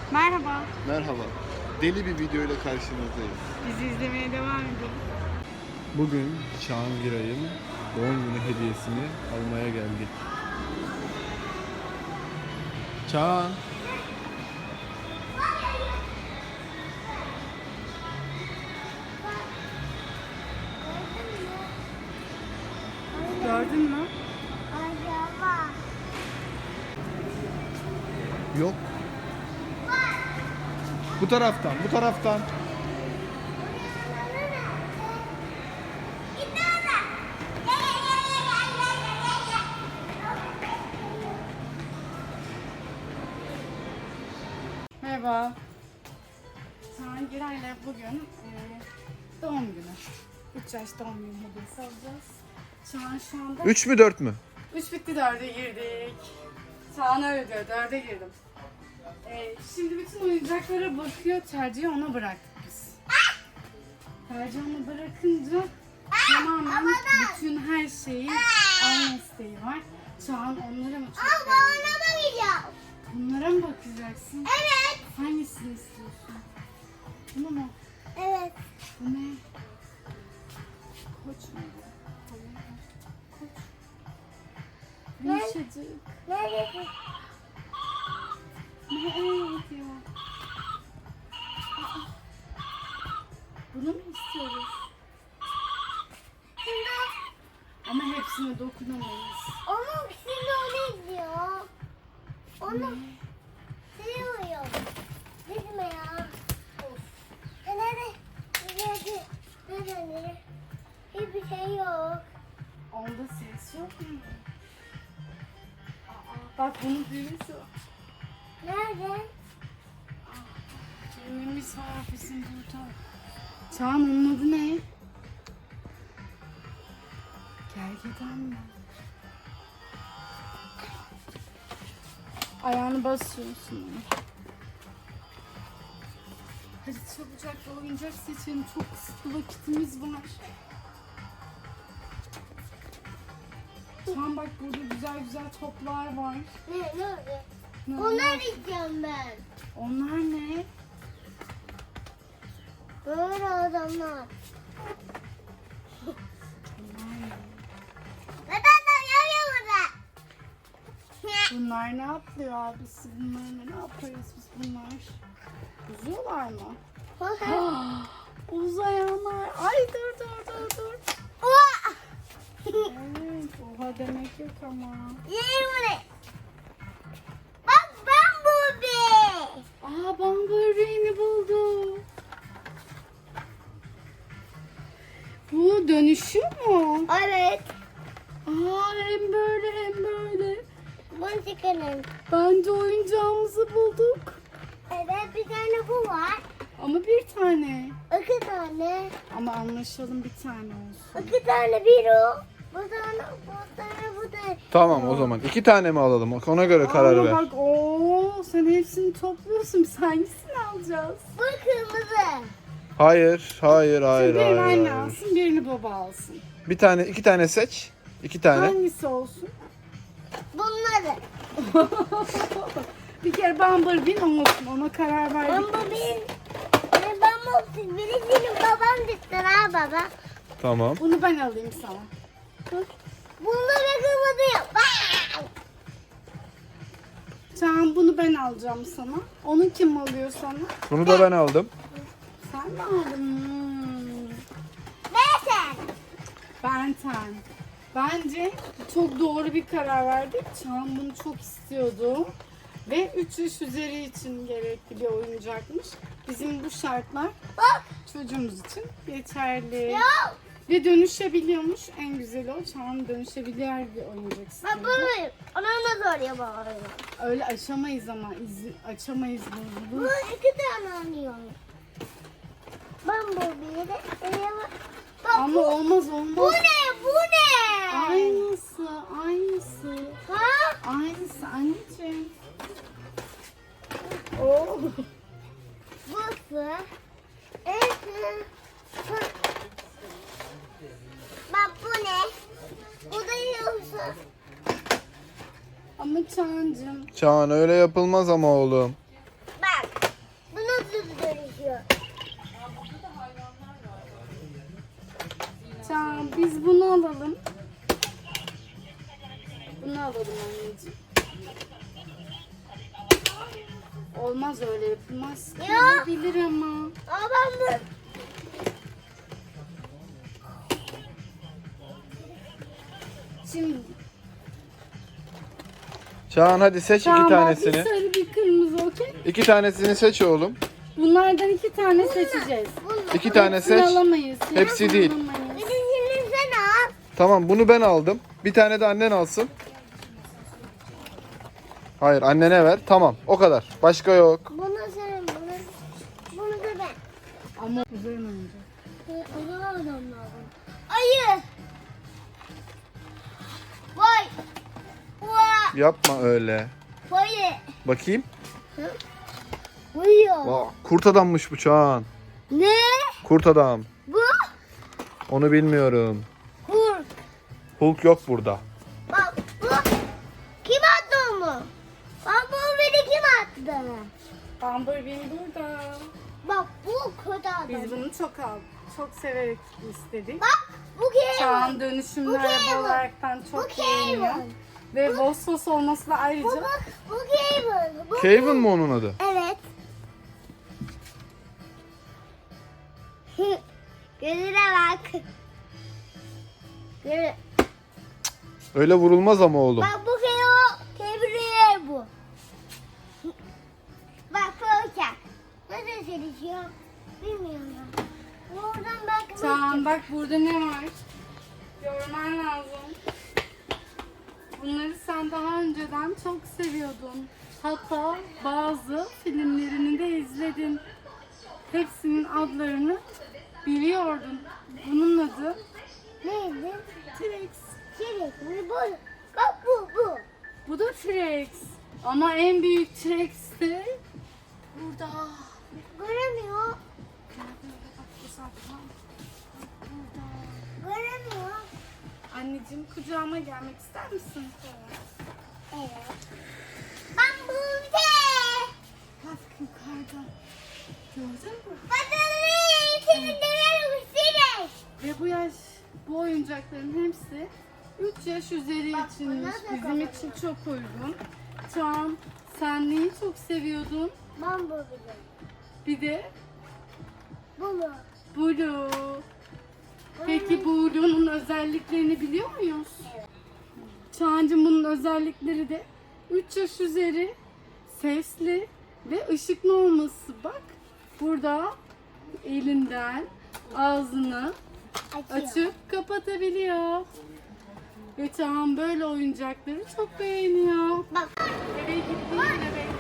Merhaba. Merhaba. Deli bir video ile karşınızdayız. Bizi izlemeye devam edin. Bugün Çağan Giray'ın doğum günü hediyesini almaya geldik. Çağan. Gördün mü? Yok. Bu taraftan, bu taraftan. Merhaba. Çağan Giray'la bugün doğum günü. 3 yaş doğum günü hediyesi alacağız. Çağan şu anda 3 mü 4 mü? 3 bitti 4'e girdik. Çağan öyle diyor 4'e girdim. Şimdi bütün oyuncaklara bakıyor, tercihi ona bıraktık biz. Tercihi ona bırakınca tamamen bütün her şeyi alma isteği var. Çağan onlara mı çok beğendi? Bunlara mı bakacaksın? Evet. Hangisini istiyorsun? Bunu mu? Evet. Bu ne? Koç mu? Koç. Yumuşacık. Nerede? Ne diyor? Bunu mu istiyoruz? Ama hepsine dokunamayız. Onun şimdi onu izliyor. Onu seviyor. Gitme ya. Nerede? Nerede? Hiçbir şey yok. Onda ses yok mu? Bak bunun düğmesi var. Nerede? Düğmemiz var bizim burada. Çağan onun adı ne? Gergedan mı? Ayağını basıyorsun. Hadi çabucak bir oyuncak seçelim. Çok kısıtlı vakitimiz var. Çağan bak burada güzel güzel toplar var. Nerede? Ne Onlar istiyorum ben. Onlar ne? Böyle adamlar. Neden yapıyor burada? Bunlar ne yapıyor abisi? Bunlar ne yaparız biz bunlar? Uzuyorlar mı? Uzayanlar. Ay dur. Evet, oha demek yok ama. Yerim buraya. Bak ben buradayım. Aa Bumblebee'ni buldu. Bu dönüşüyor mu? Evet. Aa hem böyle. Bunu çıkarın. Bence oyuncağımızı bulduk. Evet bir tane bu var. Ama bir tane. 2 tane. Ama anlaşalım bir tane olsun. 2 tane bir o. Bu tane. Tamam o zaman 2 tane mi alalım? Ona göre karar Ama ver. bak sen hepsini topluyorsun. Biz hangisini alacağız? Bu kırmızı. Hayır. Şimdi birini anne alsın, birini baba alsın. Bir tane, 2 tane seç. 2 tane. Hangisi olsun? Bunları. Bir kere Bumblebee'nin olsun. Ona karar verdik. Ben bu bir. Ben bu birisinin babam düştü ha baba. Tamam. Bunu ben alayım sana. Bunları kırmızı yap. Çağan bunu ben alacağım sana. Onu kim alıyor sana? Bunu da ben aldım. Sen mi aldın? Neyse. Benten. Bence çok doğru bir karar verdik. Çağan bunu çok istiyordu. Ve 3 yaş üzeri için gerekli bir oyuncakmış. Bizim bu şartlar Bak. çocuğumuz için yeterli. Yok. Ve dönüşebiliyormuş. En güzeli o. Çağan dönüşebilir bir oyuncak Ben istiyordu. bunu. Onu da soruyor bana. Öyle açamayız ama. Açamayız bunu. Bu 2 tane alıyorum. Ben bu biri. Bak Ama bu. olmaz. Bu ne? Bu ne? Aynısı. Ha? Aynısı anneciğim. Oo. Bu. Evet. Bak bu ne? Bu da yoksa. Ama Çağancığım. Çağan öyle yapılmaz ama oğlum. Bak. bunu alalım. Bunu alalım anneciğim. Olmaz, öyle yapılmaz. Ya. Bilir ama. Aa ben bu. Şimdi Çağan hadi seç tamam, iki bir tanesini. sarı bir kırmızı, okey. İki tanesini seç oğlum. Bunlardan 2 tane seçeceğiz. İki tane Hepsini seç. alamayız. ya, Hepsi değil. alamayız. Birisini sen al. Tamam, bunu ben aldım. Bir tane de annen alsın. Hayır, annene ver. Tamam, o kadar. Başka yok. Bunu sen bunu da ben. Ama güzel oyuncak. Onu almam lazım. Ayı. Vay. Vay. Yapma öyle. Vay. Bakayım. Uyuyor. Aa, kurt adammış bu Çağan. Ne? Kurt adam. Bu? Onu bilmiyorum. Kurt. Hulk yok burada. Bak bu. Kim attı onu? Bak bu beni kim attı? Bumblebee burada. Bak bu kötü adam. Biz bunu çok severek istedik. Bak bu kim? Çağan dönüşümlü Bu araba Kevin. olaraktan Bu çok beğeniyor. Kevin. Ve Vosvos olması da ayrıca Bu Kevin. Bu Kevin mi onun adı? Evet. Gözüne bak. Gözüne. Öyle vurulmaz ama oğlum. Bak bu Kevin bu. Bak böyle. Nasıl çalışıyor? Bilmiyorum. Oradan bak. Çağan bak burada ne var? Görmen lazım. Bunları sen daha önceden çok seviyordun. Hatta bazı filmlerini de izledin. Hepsinin adlarını biliyordun. Bunun adı Neydi? T-Rex. Çelik. Bu. Bak bu. Bu da T-Rex. Ama en büyük T-Rex de burada. Göremiyor. Bak uzaktan. Burada. Göremiyor. Anneciğim, kucağıma gelmek ister misin? Evet. Ben burada. Bak yukarıda. Gördün mü? Bakalım. Seni döverim seni. Ve bu oyuncakların hepsi 3 yaş üzeri Bak, içinmiş. bunlar da Bizim için çok uygun. Çağan, sen neyi çok seviyordun? Ben bu biliyorum. Bir de Bunu. Blue. Peki Blue'nun özelliklerini biliyor muyuz? Evet. Çağancığım, bunun özellikleri de 3 yaş üzeri, sesli ve ışıklı olması. Bak burada elinden ağzını açıp kapatabiliyor. Ve Çağan böyle oyuncakları çok beğeniyor. Bak. Eve gittiğinde